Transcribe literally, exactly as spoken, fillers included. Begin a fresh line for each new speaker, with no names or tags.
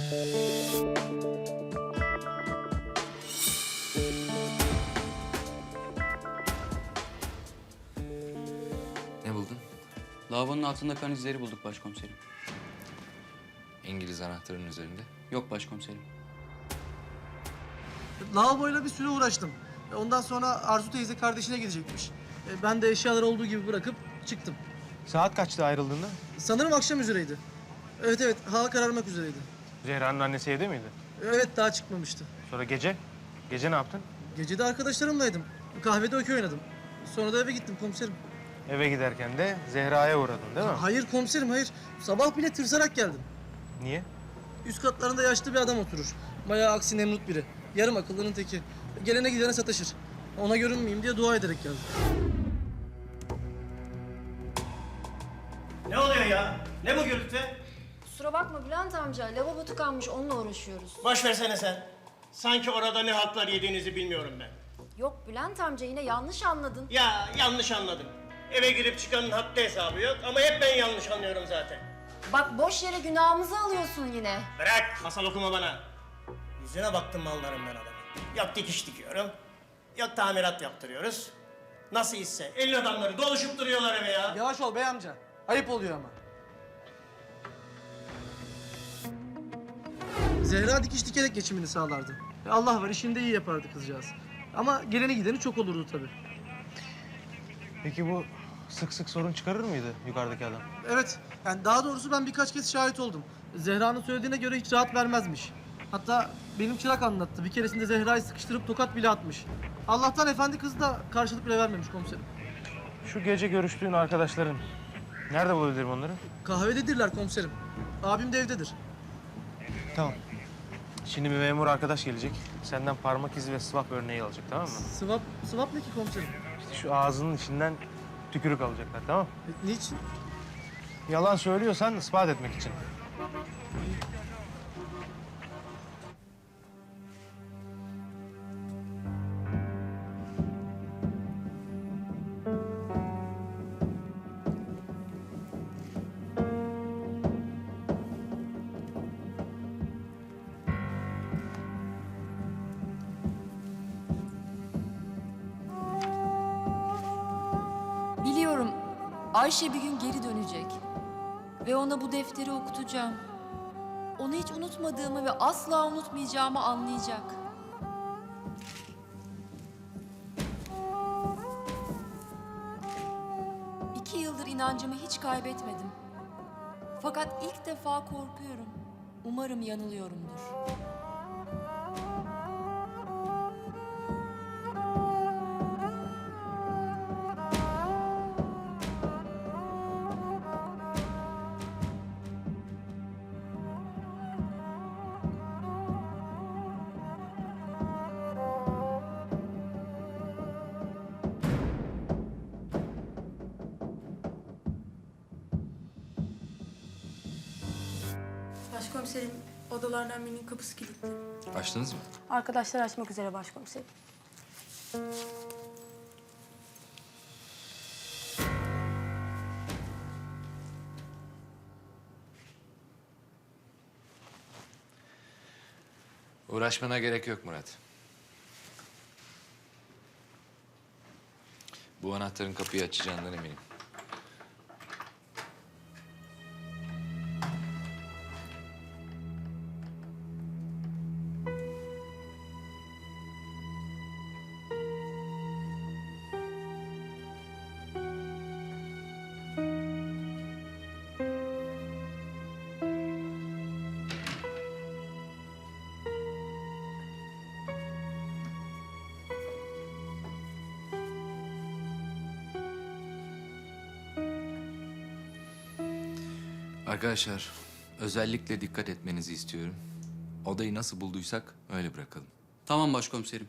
Ne buldun?
Lavabonun altında kan izleri bulduk başkomiserim.
İngiliz anahtarının üzerinde.
Yok başkomiserim.
Lavaboyla bir süre uğraştım. Ondan sonra Arzu teyze kardeşine gidecekmiş. E, Ben de eşyaları olduğu gibi bırakıp çıktım.
Saat kaçtı ayrıldığında?
Sanırım akşam üzereydi. Evet evet, hava kararmak üzereydi.
Zehra'nın annesi evde miydi?
Evet, daha çıkmamıştı.
Sonra gece? Gece ne yaptın?
Gece de arkadaşlarımlaydım. Kahvede okey oynadım. Sonra da eve gittim komiserim.
Eve giderken de Zehra'ya uğradın değil mi?
Hayır komiserim, hayır. Sabah bile tırsarak geldim.
Niye?
Üst katlarında yaşlı bir adam oturur. Bayağı aksi Nemrut biri. Yarım akıllının teki. Gelene gidene sataşır. Ona görünmeyeyim diye dua ederek geldim.
Ne oluyor ya? Ne bu gürültü?
Kusura bakma Bülent amca, lavabo tıkanmış, onunla uğraşıyoruz.
Boş versene sen. Sanki orada ne haltlar yediğinizi bilmiyorum ben.
Yok Bülent amca, yine yanlış anladın.
Ya yanlış anladım. Eve girip çıkanın haddi hesabı yok ama hep ben yanlış anlıyorum zaten.
Bak boş yere günahımızı alıyorsun yine.
Bırak, masal okuma bana. Yüzüne baktım mallarımdan adamın. Yok dikiş dikiyorum, yok tamirat yaptırıyoruz. Nasıl hisse? Elin adamları doluşup duruyorlar eve ya.
Yavaş ol bey amca. Ayıp oluyor ama. Zehra dikiş dikerek geçimini sağlardı. E, Allah var, işini de iyi yapardı kızcağız. Ama geleni gideni çok olurdu tabii.
Peki bu sık sık sorun çıkarır mıydı yukarıdaki adam?
Evet, yani daha doğrusu ben birkaç kez şahit oldum. Zehra'nın söylediğine göre hiç rahat vermezmiş. Hatta benim çırak anlattı. Bir keresinde Zehra'yı sıkıştırıp tokat bile atmış. Allah'tan efendi kız da karşılık bile vermemiş komiserim.
Şu gece görüştüğün arkadaşların, nerede bulabilirim onları?
Kahvededirler komiserim. Abim de evdedir.
Tamam. Şimdi bir memur arkadaş gelecek. Senden parmak izi ve swap örneği alacak, tamam mı?
Sıvap, sıvap ne ki komiserim?
İşte şu ağzının içinden tükürük alacaklar, tamam mı?
E, niçin?
Yalan söylüyorsan ispat etmek için.
Biliyorum, Ayşe bir gün geri dönecek. Ve ona bu defteri okutacağım. Onu hiç unutmadığımı ve asla unutmayacağımı anlayacak. İki yıldır inancımı hiç kaybetmedim. Fakat ilk defa korkuyorum. Umarım yanılıyorumdur.
Başkomiserim, odalardan birinin kapısı kilitli.
Açtınız mı?
Arkadaşlar açmak üzere başkomiserim.
Uğraşmana gerek yok Murat. Bu anahtarın kapıyı açacağından eminim. Arkadaşlar, özellikle dikkat etmenizi istiyorum. Odayı nasıl bulduysak öyle bırakalım.
Tamam başkomiserim.